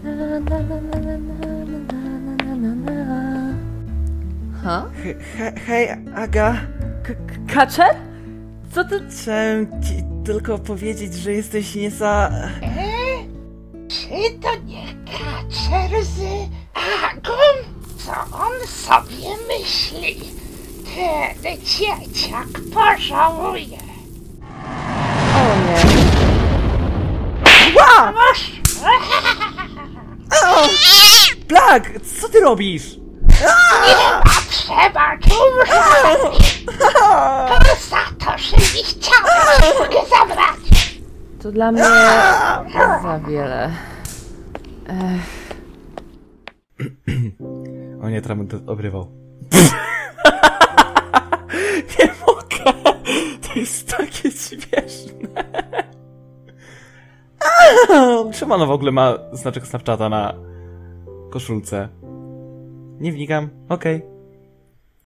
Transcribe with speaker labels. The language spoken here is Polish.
Speaker 1: Ha?
Speaker 2: Hej, Aga.
Speaker 1: Kaczer? Co ty...
Speaker 2: Chciałem ci tylko powiedzieć, że jesteś
Speaker 3: Czy to nie Kaczer z Agą? Co on sobie myśli? Ten dzieciak pożałuje.
Speaker 1: O nie.
Speaker 2: Ła! Blag, co ty robisz?
Speaker 3: Trzeba tu umrzeć. To za to, że nie chciałem mogę zabrać.
Speaker 1: To dla mnie za wiele.
Speaker 2: O nie, teraz będę obrywał. Nie mogę! To jest takie śmieszne. Czemu ona w ogóle ma znaczek Snapchata na koszulce? Nie wnikam. Okej.